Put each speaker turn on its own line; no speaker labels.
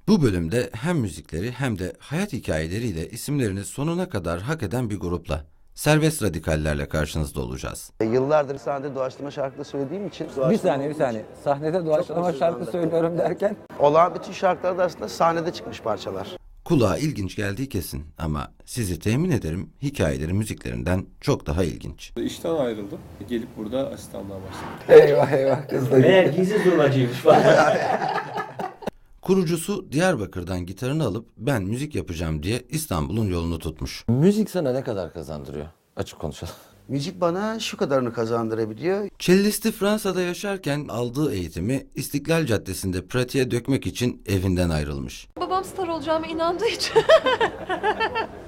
Bu bölümde hem müzikleri hem de hayat hikayeleriyle isimlerini sonuna kadar hak eden bir grupla, Serbest Radikallerle karşınızda olacağız.
Yıllardır sahnede doğaçlama şarkı söylediğim için...
Bir saniye. Sahnede doğaçlama şarkı söylüyorum derken?
Olağan bütün şarkılar da aslında sahnede çıkmış parçalar.
Kulağa ilginç geldiği kesin ama sizi temin ederim hikayeleri müziklerinden çok daha ilginç.
İşten ayrıldım. Gelip burada asistanlığa başladım.
Eyvah kızlar.
Meğer gizli zurnacıymış falan.
Kurucusu Diyarbakır'dan gitarını alıp ben müzik yapacağım diye İstanbul'un yolunu tutmuş.
Müzik sana ne kadar kazandırıyor? Açık konuşalım.
Müzik bana şu kadarını kazandırabiliyor.
Cellisti Fransa'da yaşarken aldığı eğitimi İstiklal Caddesi'nde pratiğe dökmek için evinden ayrılmış.
Babam star olacağıma inandığı için